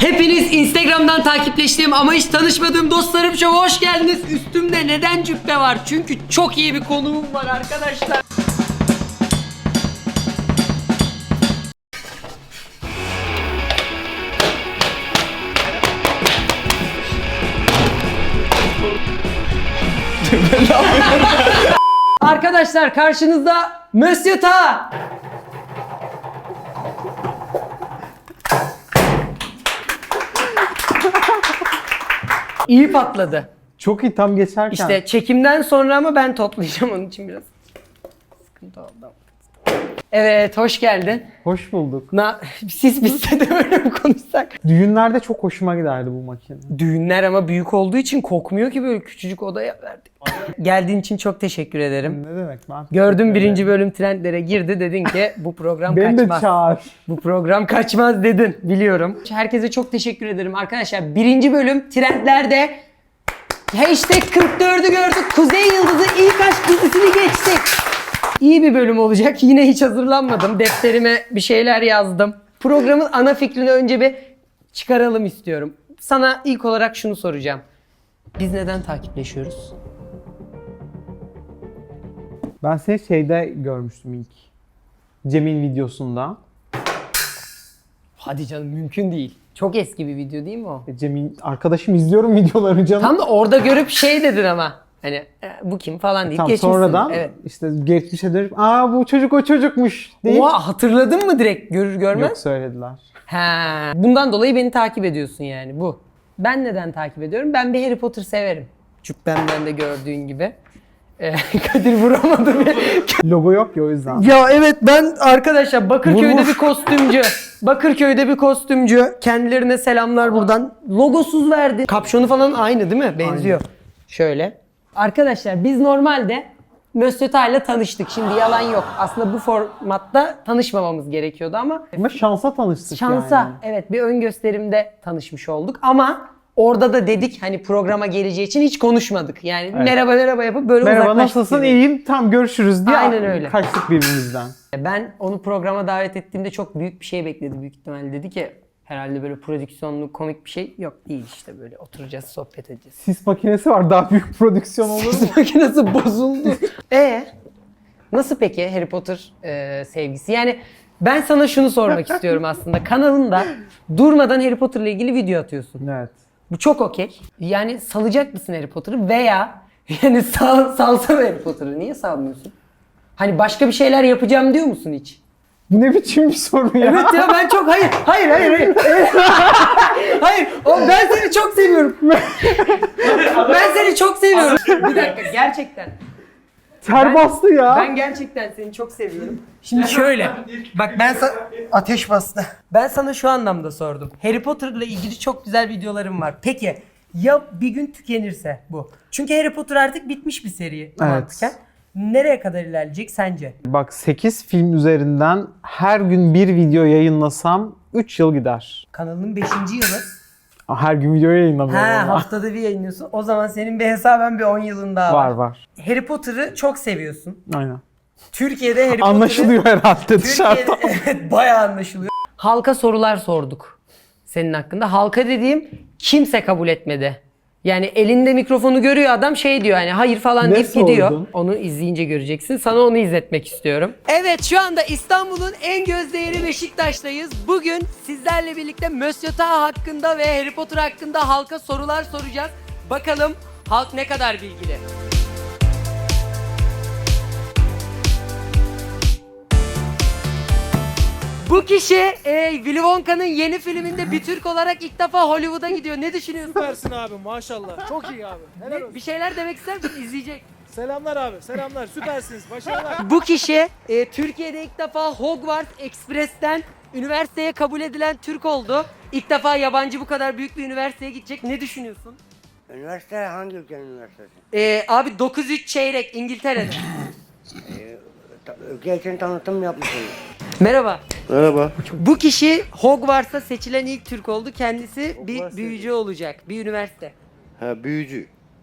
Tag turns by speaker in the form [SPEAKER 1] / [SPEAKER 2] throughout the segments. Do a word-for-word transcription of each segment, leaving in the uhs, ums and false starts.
[SPEAKER 1] Hepiniz Instagram'dan takipleştiğim ama hiç tanışmadığım dostlarım şova hoş geldiniz. Üstümde neden cübbe var? Çünkü çok iyi bir konuğum var arkadaşlar. Arkadaşlar karşınızda Monsieur Ta. İyi patladı.
[SPEAKER 2] Çok iyi tam geçerken.
[SPEAKER 1] İşte çekimden sonra ama ben toplayacağım onun için biraz. Sıkıntı oldu. Evet, hoş geldin.
[SPEAKER 2] Hoş bulduk.
[SPEAKER 1] Na, siz bizde de böyle mi konuşsak?
[SPEAKER 2] Düğünlerde çok hoşuma giderdi bu makine.
[SPEAKER 1] Düğünler ama büyük olduğu için kokmuyor ki, böyle küçücük odaya verdik. Geldiğin için çok teşekkür ederim.
[SPEAKER 2] Ne demek ben?
[SPEAKER 1] Gördüm birinci bölüm trendlere girdi, dedin ki bu program
[SPEAKER 2] Beni de
[SPEAKER 1] kaçmaz.
[SPEAKER 2] çağır.
[SPEAKER 1] Bu program kaçmaz dedin, biliyorum. Herkese çok teşekkür ederim arkadaşlar. Birinci bölüm trendlerde hashtag kırk dördü gördük. Kuzey Yıldızı ilk aşk dizisini geçtik. İyi bir bölüm olacak. Yine hiç hazırlanmadım. Defterime bir şeyler yazdım. Programın ana fikrini önce bir çıkaralım istiyorum. Sana ilk olarak şunu soracağım. Biz neden takipleşiyoruz?
[SPEAKER 2] Ben seni şeyde görmüştüm ilk. Cem'in videosunda.
[SPEAKER 1] Hadi canım, mümkün değil. Çok eski bir video değil mi o?
[SPEAKER 2] E, Cem'in arkadaşım izliyorum videolarını canım.
[SPEAKER 1] Tam da orada görüp şey dedin ama. Hani e, bu kim falan deyip
[SPEAKER 2] Tam
[SPEAKER 1] geçmişsin.
[SPEAKER 2] sonradan
[SPEAKER 1] Evet.
[SPEAKER 2] işte geçmişe dönüp aa bu çocuk o çocukmuş deyip.
[SPEAKER 1] Oha, hatırladın mı direkt görür görmez?
[SPEAKER 2] Yok söylediler.
[SPEAKER 1] Ha, bundan dolayı beni takip ediyorsun yani bu. Ben neden takip ediyorum? Ben bir Harry Potter severim. Cübbemden de gördüğün gibi. Ee, Kadir vuramadı beni.
[SPEAKER 2] Logo yok ya o yüzden.
[SPEAKER 1] Ya evet, ben arkadaşlar Bakırköy'de
[SPEAKER 2] Vurmuş.
[SPEAKER 1] bir kostümcü. Bakırköy'de bir kostümcü. Kendilerine selamlar buradan. Logosuz verdi. Kapşonu falan aynı değil mi? Benziyor. Şöyle. Arkadaşlar biz normalde Monsieur Ta ile tanıştık. Şimdi yalan yok. Aslında bu formatta tanışmamamız gerekiyordu ama
[SPEAKER 2] Ama şansa tanıştık
[SPEAKER 1] şansa,
[SPEAKER 2] yani.
[SPEAKER 1] evet, bir ön gösterimde tanışmış olduk ama orada da dedik hani programa geleceği için hiç konuşmadık. Yani
[SPEAKER 2] Evet.
[SPEAKER 1] merhaba merhaba yapıp böyle
[SPEAKER 2] Merhaba
[SPEAKER 1] uzaklaştık.
[SPEAKER 2] nasılsın,
[SPEAKER 1] gibi.
[SPEAKER 2] iyiyim, tam görüşürüz diye
[SPEAKER 1] Aynen öyle.
[SPEAKER 2] kaçtık birbirimizden.
[SPEAKER 1] Ben onu programa davet ettiğimde çok büyük bir şey bekledi büyük ihtimalle. Dedi ki herhalde böyle prodüksiyonlu komik bir şey yok, değil işte, böyle oturacağız sohbet edeceğiz.
[SPEAKER 2] Sis makinesi var, daha büyük prodüksiyon olur mu?
[SPEAKER 1] Sis makinesi bozuldu. E nasıl peki Harry Potter e, sevgisi? Yani ben sana şunu sormak istiyorum aslında. Kanalında durmadan Harry Potter'la ilgili video atıyorsun.
[SPEAKER 2] Evet.
[SPEAKER 1] Bu çok okey. Yani salacak mısın Harry Potter'ı veya yani sal, salsana Harry Potter'ı. Niye salmıyorsun? Hani başka bir şeyler yapacağım diyor musun hiç?
[SPEAKER 2] Bu ne biçim bir soru ya?
[SPEAKER 1] Evet ya, ben çok hayır hayır hayır hayır. Hayır, o, ben seni çok seviyorum. Ben seni çok seviyorum. Bir dakika, gerçekten.
[SPEAKER 2] Ter
[SPEAKER 1] Ben-
[SPEAKER 2] bastı ya.
[SPEAKER 1] Ben gerçekten seni çok seviyorum. Şimdi şöyle. Bak ben sana ateş bastı. Ben sana şu anlamda sordum. Harry Potter'la ilgili çok güzel videolarım var. Peki ya bir gün tükenirse bu? Çünkü Harry Potter artık bitmiş bir seri mantıken. Nereye kadar ilerleyecek sence?
[SPEAKER 2] Bak sekiz film üzerinden her gün bir video yayınlasam üç yıl gider.
[SPEAKER 1] Kanalının beşinci yılı.
[SPEAKER 2] Her gün video yayınlamıyorum
[SPEAKER 1] Ha,
[SPEAKER 2] ama.
[SPEAKER 1] haftada bir yayınlıyorsun. O zaman senin bir hesaben bir on yılın daha var.
[SPEAKER 2] Var var.
[SPEAKER 1] Harry Potter'ı çok seviyorsun.
[SPEAKER 2] Aynen.
[SPEAKER 1] Türkiye'de Harry Potter'ı...
[SPEAKER 2] Anlaşılıyor herhalde
[SPEAKER 1] Türkiye'de,
[SPEAKER 2] dışarıdan.
[SPEAKER 1] evet, bayağı anlaşılıyor. Halka sorular sorduk senin hakkında. Halka dediğim kimse kabul etmedi. Yani elinde mikrofonu görüyor adam, şey diyor hani hayır falan
[SPEAKER 2] Ne
[SPEAKER 1] deyip gidiyor.
[SPEAKER 2] sordun?
[SPEAKER 1] Onu izleyince göreceksin. Sana onu izletmek istiyorum. Evet, şu anda İstanbul'un en gözdeğeri Beşiktaş'tayız. Bugün sizlerle birlikte Monsieur Ta hakkında ve Harry Potter hakkında halka sorular soracağız. Bakalım halk ne kadar bilgili. Bu kişi e, Willy Wonka'nın yeni filminde bir Türk olarak ilk defa Hollywood'a gidiyor. Ne düşünüyorsun?
[SPEAKER 3] Süpersin abi maşallah. Çok iyi abi. Helal olsun.
[SPEAKER 1] Bir şeyler demek ister misin? İzleyecek.
[SPEAKER 3] Selamlar abi. Selamlar. Süpersiniz. Başarılar.
[SPEAKER 1] Bu kişi e, Türkiye'de ilk defa Hogwarts Express'ten üniversiteye kabul edilen Türk oldu. İlk defa yabancı bu kadar büyük bir üniversiteye gidecek. Ne düşünüyorsun?
[SPEAKER 4] Üniversite hangi ülkenin üniversitesi?
[SPEAKER 1] E, abi dokuz üç çeyrek İngiltere'de.
[SPEAKER 4] Ta- Ülke için tanıtım yapmışsınız.
[SPEAKER 1] Merhaba.
[SPEAKER 4] Merhaba.
[SPEAKER 1] Bu kişi Hogwarts'a seçilen ilk Türk oldu. Kendisi bir
[SPEAKER 4] Hogwarts
[SPEAKER 1] büyücü olacak. Bir üniversite.
[SPEAKER 4] Ha büyücü.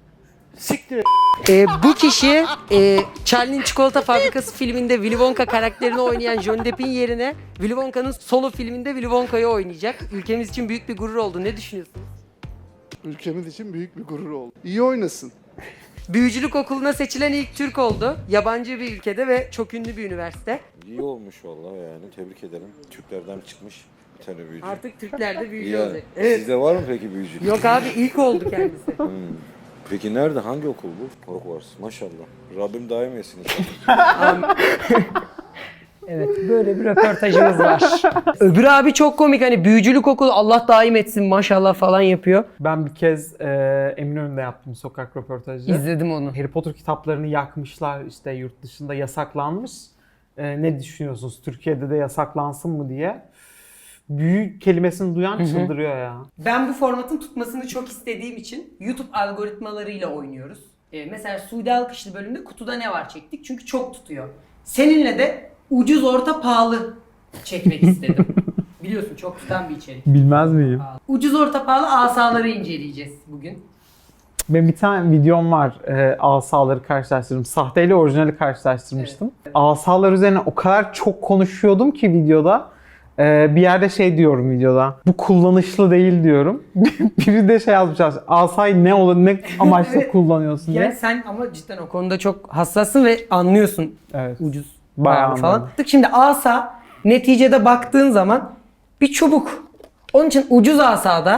[SPEAKER 3] Siktir et.
[SPEAKER 1] Ee, bu kişi e, Charlie'nin Çikolata Fabrikası filminde Willy Wonka karakterini oynayan Johnny Depp'in yerine Willy Wonka'nın solo filminde Willy Wonka'yı oynayacak. Ülkemiz için büyük bir gurur oldu. Ne düşünüyorsun?
[SPEAKER 5] Ülkemiz için büyük bir gurur oldu. İyi oynasın.
[SPEAKER 1] Büyücülük okuluna seçilen ilk Türk oldu. Yabancı bir ülkede ve çok ünlü bir üniversite.
[SPEAKER 6] İyi olmuş vallahi yani. Tebrik ederim. Türklerden çıkmış bir tane büyücü.
[SPEAKER 1] Artık Türkler de büyücü
[SPEAKER 6] Ya,
[SPEAKER 1] olacak. Evet.
[SPEAKER 6] Sizde var mı peki büyücü?
[SPEAKER 1] Yok abi ilk oldu kendisi.
[SPEAKER 6] Hmm. Peki nerede? Hangi okul bu? Hogwarts. Maşallah. Rabbim daim etsin inşallah.
[SPEAKER 1] Evet böyle bir röportajımız var. Öbür abi çok komik hani büyücülük okulu Allah daim etsin maşallah falan yapıyor.
[SPEAKER 2] Ben bir kez e, Eminönü'nde yaptım sokak röportajı.
[SPEAKER 1] İzledim onu.
[SPEAKER 2] Harry Potter kitaplarını yakmışlar, işte yurt dışında yasaklanmış. E, ne düşünüyorsunuz? Türkiye'de de yasaklansın mı diye. Büyü kelimesini duyan çıldırıyor ya.
[SPEAKER 1] Ben bu formatın tutmasını çok istediğim için YouTube algoritmalarıyla oynuyoruz. Ee, mesela Suudi Alkışlı bölümde kutuda ne var çektik çünkü çok tutuyor. Seninle de ucuz orta pahalı çekmek istedim. Biliyorsun çok tutan bir içerik.
[SPEAKER 2] Bilmez miyim?
[SPEAKER 1] Ucuz orta pahalı asaları inceleyeceğiz bugün.
[SPEAKER 2] Benim bir tane videom var. E, asaları karşılaştırdım. Sahte ile orijinali karşılaştırmıştım. Asalar üzerine o kadar çok konuşuyordum ki videoda. E, bir yerde şey diyorum videoda. Bu kullanışlı değil diyorum. Biri de şey yazmış. Asayı ne olur, ne amaçla
[SPEAKER 1] Evet.
[SPEAKER 2] kullanıyorsun diye.
[SPEAKER 1] Yani sen ama cidden o konuda çok hassassın ve anlıyorsun
[SPEAKER 2] Evet.
[SPEAKER 1] ucuz
[SPEAKER 2] Bayağı
[SPEAKER 1] pahalı falan.
[SPEAKER 2] anladım.
[SPEAKER 1] Şimdi asa neticede baktığın zaman bir çubuk. Onun için ucuz asada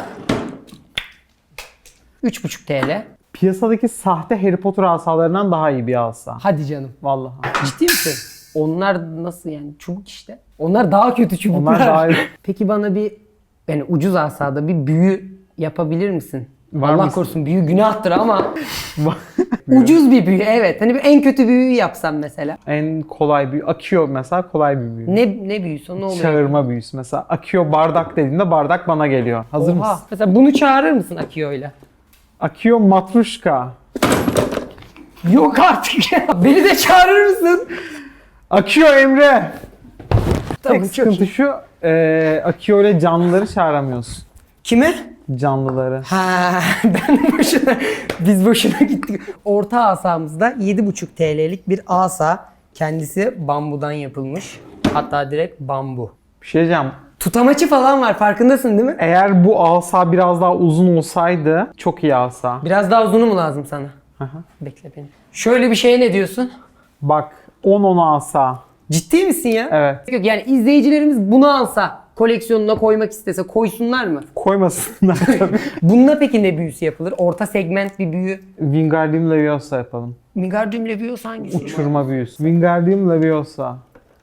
[SPEAKER 1] üç buçuk TL.
[SPEAKER 2] Piyasadaki sahte Harry Potter asalarından daha iyi bir asa.
[SPEAKER 1] Hadi canım.
[SPEAKER 2] Vallahi.
[SPEAKER 1] Ciddi misin? Onlar nasıl yani? Çubuk işte. Onlar daha kötü çubuklar.
[SPEAKER 2] Onlar daha iyi.
[SPEAKER 1] Peki bana bir yani ucuz asada bir büyü yapabilir misin?
[SPEAKER 2] Var
[SPEAKER 1] Allah
[SPEAKER 2] mısın?
[SPEAKER 1] korusun büyü günahtır ama ucuz bir büyü evet. Hani bir en kötü büyüyü yapsam mesela.
[SPEAKER 2] En kolay büyü. Akio mesela kolay bir büyü.
[SPEAKER 1] Ne ne büyüsü o, ne oluyor?
[SPEAKER 2] Çağırma büyüsü. Mesela Akio bardak dediğinde bardak bana geliyor. Hazır
[SPEAKER 1] Oha.
[SPEAKER 2] mısın?
[SPEAKER 1] Mesela bunu çağırır mısın Akio'yla?
[SPEAKER 2] Akio matruşka.
[SPEAKER 1] Yok artık ya. Beni de çağırır mısın?
[SPEAKER 2] Akio Emre.
[SPEAKER 1] Tamam,
[SPEAKER 2] Tek
[SPEAKER 1] çok
[SPEAKER 2] sıkıntı
[SPEAKER 1] iyi.
[SPEAKER 2] şu. E, Akio ile canlıları çağıramıyorsun.
[SPEAKER 1] Kimi?
[SPEAKER 2] Canlıları.
[SPEAKER 1] Ha, ben boşuna, biz boşuna gittik. Orta asamızda yedi buçuk TL'lik bir asa. Kendisi bambudan yapılmış. Hatta direkt bambu.
[SPEAKER 2] Bir şey diyeceğim.
[SPEAKER 1] Tutamaçı falan var farkındasın değil mi?
[SPEAKER 2] Eğer bu asa biraz daha uzun olsaydı çok iyi asa.
[SPEAKER 1] Biraz daha uzunu mu lazım sana?
[SPEAKER 2] Aha.
[SPEAKER 1] Bekle beni. Şöyle bir şeye ne diyorsun?
[SPEAKER 2] Bak on on asa.
[SPEAKER 1] Ciddi misin ya?
[SPEAKER 2] Evet.
[SPEAKER 1] Yok yani izleyicilerimiz bunu alsa koleksiyonuna koymak istese koysunlar mı?
[SPEAKER 2] Koymasınlar tabii.
[SPEAKER 1] Bununla peki ne büyüsü yapılır? Orta segment bir büyü.
[SPEAKER 2] Wingardium Leviosa yapalım.
[SPEAKER 1] Wingardium Leviosa hangisi?
[SPEAKER 2] Uçurma büyüsü. Wingardium Leviosa.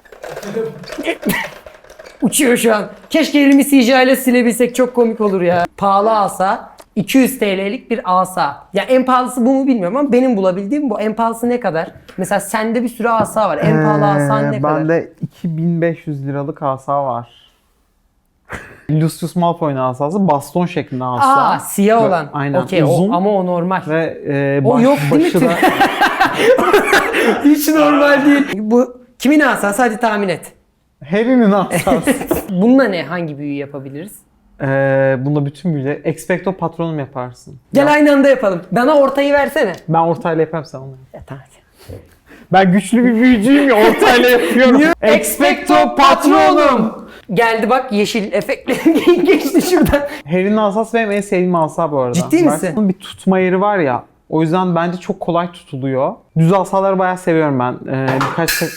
[SPEAKER 1] Uçuyor şu an. Keşke elimi C G I ile silebilsek çok komik olur ya. Pahalı asa. iki yüz TL'lik bir asa. Ya en pahalısı bu mu bilmiyorum ama benim bulabildiğim bu. En pahalısı ne kadar? Mesela sende bir sürü asa var. En pahalı asan ne
[SPEAKER 2] Ee,
[SPEAKER 1] kadar?
[SPEAKER 2] Bende iki bin beş yüz liralık asa var. Lucius Malfoy'un asası baston şeklinde asa.
[SPEAKER 1] Aa siyah
[SPEAKER 2] Ve-
[SPEAKER 1] olan.
[SPEAKER 2] Aynen.
[SPEAKER 1] Okey
[SPEAKER 2] Uzun
[SPEAKER 1] o, ama o normal.
[SPEAKER 2] ve e,
[SPEAKER 1] O
[SPEAKER 2] baş,
[SPEAKER 1] yok değil mi?
[SPEAKER 2] başı da
[SPEAKER 1] Hiç normal değil. Bu kimin asası? Hadi tahmin et.
[SPEAKER 2] Harry'nin asası.
[SPEAKER 1] Bununla ne? Hangi büyü yapabiliriz?
[SPEAKER 2] Ee, bunda bütün büyüleri Expecto Patronum yaparsın.
[SPEAKER 1] Gel
[SPEAKER 2] Ya,
[SPEAKER 1] aynı anda yapalım. Bana ortayı versene.
[SPEAKER 2] ben ortayla yaparım sen onu.
[SPEAKER 1] Ya, tamam.
[SPEAKER 2] Ben güçlü bir büyücüyüm ya ortayla yapıyorum.
[SPEAKER 1] Expecto Patronum. Geldi bak yeşil efektleri geçti şuradan.
[SPEAKER 2] Harry'nin asası benim en sevdiğim asa bu arada.
[SPEAKER 1] Ciddi
[SPEAKER 2] Bak,
[SPEAKER 1] misin?
[SPEAKER 2] bunun bir tutma yeri var ya. O yüzden bence çok kolay tutuluyor. Düz asaları bayağı seviyorum ben. Ee, birkaç şey...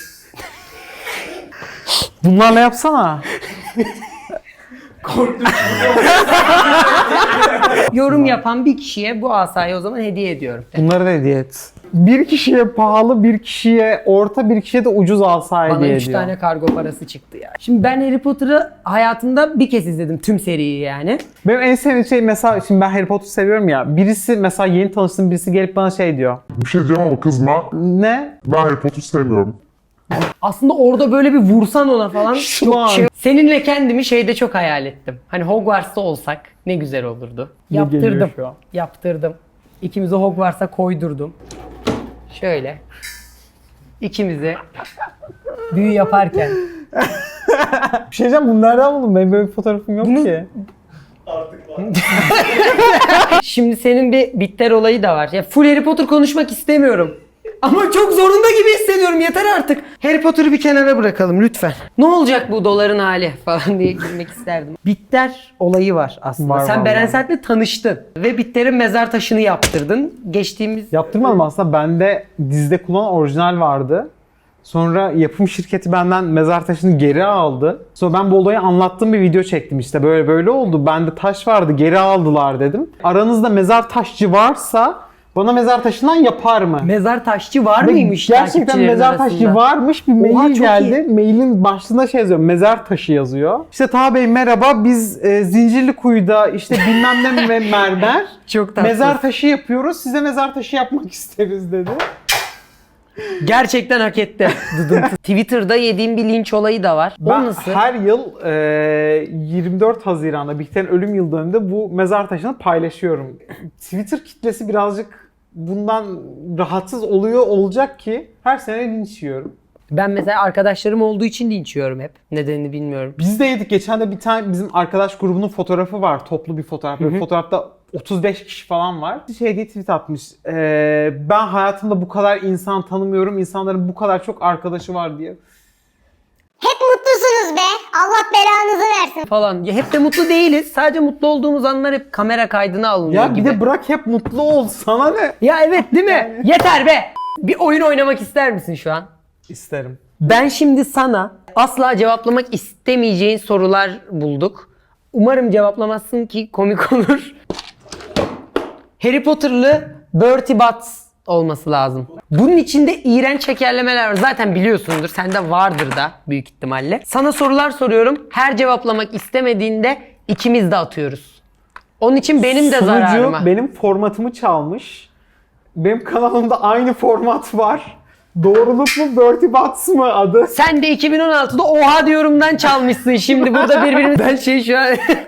[SPEAKER 2] Bunlarla yapsana.
[SPEAKER 1] Yorum yapan bir kişiye bu asayı o zaman hediye ediyorum.
[SPEAKER 2] Bunları da hediye et. Bir kişiye pahalı, bir kişiye orta, bir kişiye de ucuz asa
[SPEAKER 1] Bana
[SPEAKER 2] hediye
[SPEAKER 1] üç
[SPEAKER 2] ediyor.
[SPEAKER 1] tane kargo parası çıktı ya. Şimdi ben Harry Potter'ı hayatımda bir kez izledim tüm seriyi yani.
[SPEAKER 2] Benim en sevdiğim şey mesela, şimdi ben Harry Potter seviyorum ya. Birisi mesela yeni tanıştığım birisi gelip bana şey diyor.
[SPEAKER 7] Bir şey diyeceğim ama kızma.
[SPEAKER 2] Ne?
[SPEAKER 7] Ben Harry Potter sevmiyorum.
[SPEAKER 1] Aslında orada böyle bir vursan ona falan
[SPEAKER 2] Şu
[SPEAKER 1] çok
[SPEAKER 2] an.
[SPEAKER 1] şey. Seninle kendimi şeyde çok hayal ettim. Hani Hogwarts'ta olsak ne güzel olurdu.
[SPEAKER 2] Ne
[SPEAKER 1] Yaptırdım.
[SPEAKER 2] geliyor şu an?
[SPEAKER 1] Yaptırdım. İkimizi Hogwarts'a koydurdum. Şöyle. İkimizi büyü yaparken.
[SPEAKER 2] Bir şey diyeceğim, bunlardan buldum. Benim böyle bir fotoğrafım yok
[SPEAKER 1] Bunu-
[SPEAKER 2] ki.
[SPEAKER 1] Şimdi senin bir bitter olayı da var. Ya full Harry Potter konuşmak istemiyorum. Ama çok zorunda gibi hissediyorum. Yeter artık. Harry Potter'ı bir kenara bırakalım lütfen. Ne olacak bu doların hali falan diye girmek isterdim. Bitter olayı var aslında.
[SPEAKER 2] Var,
[SPEAKER 1] Sen
[SPEAKER 2] var,
[SPEAKER 1] Beren
[SPEAKER 2] var.
[SPEAKER 1] Saat'le tanıştın. Ve Bitter'in mezar taşını yaptırdın. Geçtiğimiz...
[SPEAKER 2] Yaptırmadım aslında. Bende dizide kullanılan orijinal vardı. Sonra yapım şirketi benden mezar taşını geri aldı. Sonra ben bu olayı anlattığım bir video çektim işte. Böyle böyle oldu. Bende taş vardı, geri aldılar dedim. Aranızda mezar taşçı varsa bana mezar taşından yapar mı?
[SPEAKER 1] Mezar taşçı var
[SPEAKER 2] Ve
[SPEAKER 1] mıymış
[SPEAKER 2] gerçekten
[SPEAKER 1] takipçilerin
[SPEAKER 2] mezar
[SPEAKER 1] arasında?
[SPEAKER 2] taşı varmış. Bir
[SPEAKER 1] Oha,
[SPEAKER 2] mail
[SPEAKER 1] çok
[SPEAKER 2] geldi. Mailin başlığında şey yazıyor. Mezar taşı yazıyor. İşte Taha Bey merhaba. Biz e, Zincirlikuyu'da işte bilmem ne ve mermer
[SPEAKER 1] Çok tatlı.
[SPEAKER 2] mezar taşı yapıyoruz. Size mezar taşı yapmak isteriz dedi.
[SPEAKER 1] Gerçekten hak etti. Dıdıntı. Twitter'da yediğim bir linç olayı da var. O
[SPEAKER 2] Ben
[SPEAKER 1] nasıl?
[SPEAKER 2] her yıl e, yirmi dört Haziran'da Bihter'in ölüm yıl dönümünde bu mezar taşını paylaşıyorum. Twitter kitlesi birazcık bundan rahatsız oluyor olacak ki her sene linç yiyorum.
[SPEAKER 1] Ben mesela arkadaşlarım olduğu için linç yiyorum hep. Nedenini bilmiyorum.
[SPEAKER 2] Biz de yedik. Geçen de bir tane bizim arkadaş grubunun fotoğrafı var. Toplu bir fotoğraf. Böyle fotoğrafta otuz beş kişi falan var. Şey diye tweet atmış. Ee, ben hayatımda bu kadar insan tanımıyorum. İnsanların bu kadar çok arkadaşı var diye.
[SPEAKER 8] Hep mutlusunuz be. Allah belanızı versin.
[SPEAKER 1] Falan. Ya hep de mutlu değiliz. Sadece mutlu olduğumuz anlar hep kamera kaydına alınıyor
[SPEAKER 2] Ya
[SPEAKER 1] gibi.
[SPEAKER 2] bir de bırak hep mutlu ol. Sana ne?
[SPEAKER 1] Ya evet değil mi? Yeter be! Bir oyun oynamak ister misin şu an?
[SPEAKER 2] İsterim.
[SPEAKER 1] Ben şimdi sana asla cevaplamak istemeyeceğin sorular bulduk. Umarım cevaplamazsın ki komik olur. Harry Potter'lı Bertie Butts olması lazım. Bunun içinde iğrenç şekerlemeler var. Zaten biliyorsundur. Sende vardır da büyük ihtimalle. Sana sorular soruyorum. Her cevaplamak istemediğinde ikimiz de atıyoruz. Onun için benim de zararıma.
[SPEAKER 2] Sunucu benim formatımı çalmış. Benim kanalımda aynı format var. Doğruluk mu Bertie Butts mı adı?
[SPEAKER 1] Sen de iki bin on altıda oha diyorumdan çalmışsın şimdi burada birbirimiz. Ben şey şu an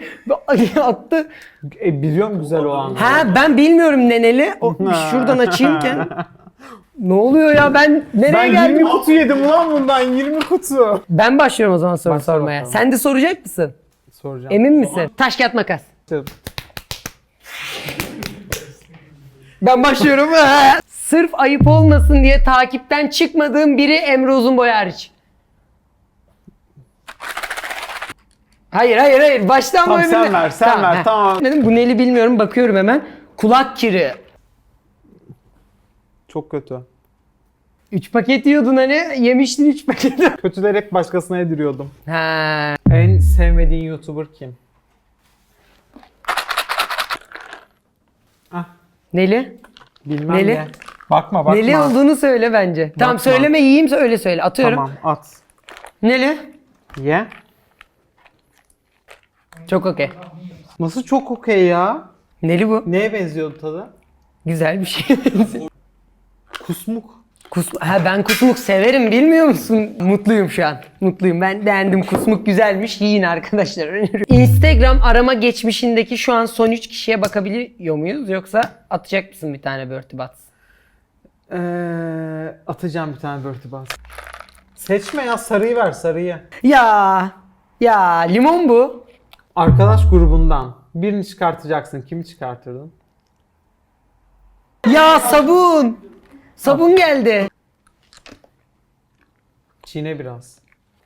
[SPEAKER 1] attı.
[SPEAKER 2] E, biliyorum güzel o anı.
[SPEAKER 1] Ha ben bilmiyorum neneli. O, şuradan açayımken. Ne oluyor ya ben nereye
[SPEAKER 2] Ben
[SPEAKER 1] geldim?
[SPEAKER 2] yirmi kutu yedim ulan bundan yirmi kutu.
[SPEAKER 1] Ben başlıyorum o zaman soru
[SPEAKER 2] Başla
[SPEAKER 1] sormaya.
[SPEAKER 2] bakalım.
[SPEAKER 1] Sen de soracak mısın?
[SPEAKER 2] Soracağım.
[SPEAKER 1] Emin misin? Taş kağıt makas. Ben başlıyorum. Sırf ayıp olmasın diye takipten çıkmadığım biri Emre Uzunboy hariç. Hayır hayır hayır. Baştan
[SPEAKER 2] Tamam,
[SPEAKER 1] mı
[SPEAKER 2] sen
[SPEAKER 1] öbürüne?
[SPEAKER 2] ver, sen ver,
[SPEAKER 1] heh.
[SPEAKER 2] tamam.
[SPEAKER 1] Dedim bu neli bilmiyorum bakıyorum hemen. Kulak kiri.
[SPEAKER 2] Çok kötü.
[SPEAKER 1] üç paket yiyordun hani yemiştin üç paketi.
[SPEAKER 2] Kötülerek başkasına yediriyordum.
[SPEAKER 1] Ha.
[SPEAKER 2] En sevmediğin YouTuber kim? Ah,
[SPEAKER 1] Neli?
[SPEAKER 2] bilmem
[SPEAKER 1] Neli?
[SPEAKER 2] ne. Bakma bakma.
[SPEAKER 1] Neli olduğunu söyle bence. Tamam
[SPEAKER 2] Bakma.
[SPEAKER 1] söyleme yiyeyim öyle söyle. Atıyorum.
[SPEAKER 2] Tamam at.
[SPEAKER 1] Neli?
[SPEAKER 2] Ye.
[SPEAKER 1] Çok okey.
[SPEAKER 2] Nasıl çok okey ya?
[SPEAKER 1] Neli bu?
[SPEAKER 2] Neye benziyordu tadı?
[SPEAKER 1] Güzel bir şey.
[SPEAKER 2] Kusmuk.
[SPEAKER 1] Kusmuk. Ha ben kusmuk severim bilmiyor musun? Mutluyum şu an. Mutluyum. Ben beğendim. Kusmuk güzelmiş. Yiyin arkadaşlar. Öneriyorum. Instagram arama geçmişindeki şu an son üç kişiye bakabiliyor muyuz? Yoksa atacak mısın bir tane Bertie Butts?
[SPEAKER 2] Ee, atacağım bir tane Bertie Butts. Seçme ya, sarıyı ver, sarıyı.
[SPEAKER 1] Ya. Ya limon bu.
[SPEAKER 2] Arkadaş grubundan birini çıkartacaksın. Kimi çıkartırdın?
[SPEAKER 1] Ya sabun. Sabun geldi.
[SPEAKER 2] Çiğne biraz.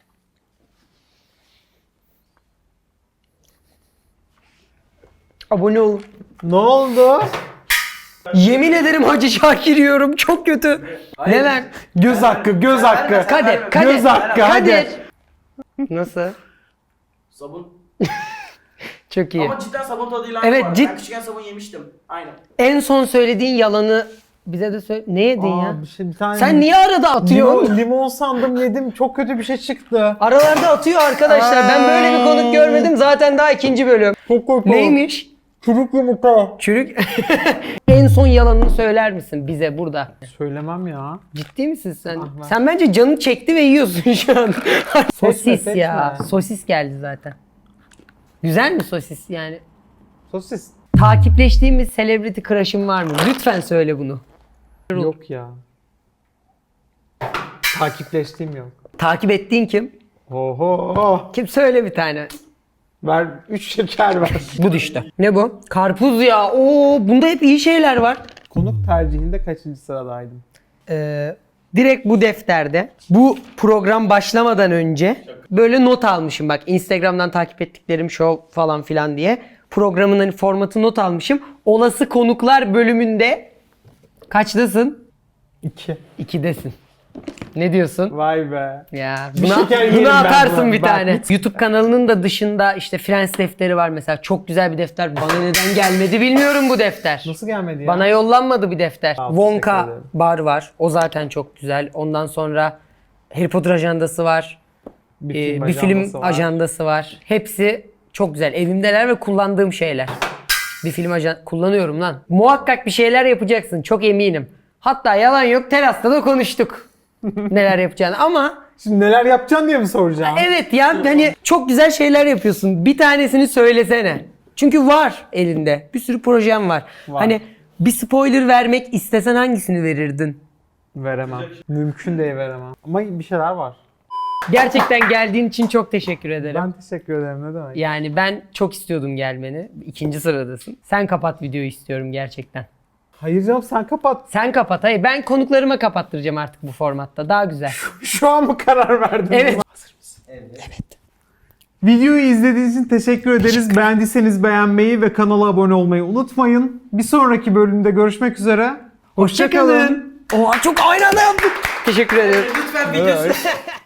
[SPEAKER 1] Abone olun.
[SPEAKER 2] Ne oldu?
[SPEAKER 1] Yemin ederim Hacı Şakir yiyorum. Çok kötü. Ne ver?
[SPEAKER 2] Göz hakkı, göz hakkı.
[SPEAKER 1] Kadir, Kadir.
[SPEAKER 2] Göz hakkı,
[SPEAKER 1] Kadir.
[SPEAKER 2] hadi.
[SPEAKER 1] Nasıl?
[SPEAKER 9] Sabun.
[SPEAKER 1] Çok iyi.
[SPEAKER 9] Ama cidden sabun tadıyla aynı
[SPEAKER 1] Evet,
[SPEAKER 9] bu arada.
[SPEAKER 1] cid-
[SPEAKER 9] Ben küçükken sabun yemiştim. Aynen.
[SPEAKER 1] En son söylediğin yalanı bize de söyle. Ne yedin
[SPEAKER 2] Aa,
[SPEAKER 1] ya?
[SPEAKER 2] bir şey, bir tane
[SPEAKER 1] Sen niye arada atıyorsun?
[SPEAKER 2] limon, limon sandım yedim. Çok kötü bir şey çıktı.
[SPEAKER 1] Aralarda atıyor arkadaşlar. Ben böyle bir konuk görmedim. Zaten daha ikinci bölüm.
[SPEAKER 2] Çok kötü.
[SPEAKER 1] Neymiş?
[SPEAKER 2] Çürük yumurta.
[SPEAKER 1] Çürük. En son yalanını söyler misin bize burada?
[SPEAKER 2] Söylemem ya.
[SPEAKER 1] Ciddi misin sen?
[SPEAKER 2] Ah, ben-
[SPEAKER 1] Sen bence canın çekti ve yiyorsun şu an. Sosis
[SPEAKER 2] seçme.
[SPEAKER 1] ya. Sosis geldi zaten. Güzel mi sosis yani?
[SPEAKER 2] Sosis.
[SPEAKER 1] Takipleştiğimiz celebrity crush'ın var mı? Lütfen söyle bunu.
[SPEAKER 2] Yok ya. Takipleştiğim yok.
[SPEAKER 1] Takip ettiğin kim?
[SPEAKER 2] Oho.
[SPEAKER 1] Kim söyle bir tane.
[SPEAKER 2] Ver üç şeker ver.
[SPEAKER 1] Bu düştü. Ne bu? Karpuz ya. Oo, bunda hep iyi şeyler var.
[SPEAKER 2] Konuk tercihinde kaçıncı sıradaydım?
[SPEAKER 1] Ee, direkt bu defterde bu program başlamadan önce böyle not almışım bak Instagram'dan takip ettiklerim show falan filan diye programın hani formatı not almışım. Olası konuklar bölümünde kaçtasın?
[SPEAKER 2] İki.
[SPEAKER 1] İkidesin. Ne diyorsun?
[SPEAKER 2] Vay be.
[SPEAKER 1] Ya
[SPEAKER 2] Bir
[SPEAKER 1] buna,
[SPEAKER 2] şeker yerim
[SPEAKER 1] buna
[SPEAKER 2] ben
[SPEAKER 1] atarsın
[SPEAKER 2] buna.
[SPEAKER 1] bir
[SPEAKER 2] Bak,
[SPEAKER 1] tane.
[SPEAKER 2] hiç-
[SPEAKER 1] YouTube kanalının da dışında işte Friends defteri var mesela. Çok güzel bir defter. Bana neden gelmedi bilmiyorum bu defter.
[SPEAKER 2] Nasıl gelmedi ya?
[SPEAKER 1] Bana yollanmadı bir defter.
[SPEAKER 2] Abi,
[SPEAKER 1] Wonka
[SPEAKER 2] teşekkür ederim.
[SPEAKER 1] bar var. O zaten çok güzel. Ondan sonra Harry Potter ajandası var.
[SPEAKER 2] bir
[SPEAKER 1] Ee,
[SPEAKER 2] film,
[SPEAKER 1] bir film
[SPEAKER 2] ajandası var.
[SPEAKER 1] ajandası var. Hepsi çok güzel. Evimdeler ve kullandığım şeyler. Bir film ajan kullanıyorum lan. Muhakkak bir şeyler yapacaksın. Çok eminim. Hatta yalan yok terasta da konuştuk. Neler yapacağını ama
[SPEAKER 2] Şimdi neler yapacaksın diye mi soracağım?
[SPEAKER 1] evet ya hani çok güzel şeyler yapıyorsun. Bir tanesini söylesene. Çünkü var elinde. Bir sürü projem var.
[SPEAKER 2] Var.
[SPEAKER 1] Hani bir spoiler vermek istesen hangisini verirdin?
[SPEAKER 2] Veremem. Mümkün değil veremem. Ama bir şeyler var.
[SPEAKER 1] Gerçekten geldiğin için çok teşekkür ederim.
[SPEAKER 2] Ben teşekkür ederim. Ne demek?
[SPEAKER 1] Yani ben çok istiyordum gelmeni. İkinci sıradasın. Sen kapat videoyu istiyorum gerçekten.
[SPEAKER 2] Hayır canım sen kapat.
[SPEAKER 1] Sen kapat. Hayır ben konuklarıma kapattıracağım artık bu formatta. Daha güzel.
[SPEAKER 2] Şu an mı karar verdin?
[SPEAKER 1] Evet.
[SPEAKER 2] Hazır mısın? Evet. Videoyu izlediğiniz için teşekkür ederiz. Beğendiyseniz beğenmeyi ve kanala abone olmayı unutmayın. Bir sonraki bölümde görüşmek üzere. Hoşça kalın.
[SPEAKER 1] Oha çok aynı anda yaptık. Teşekkür ederim.
[SPEAKER 9] Lütfen videosu.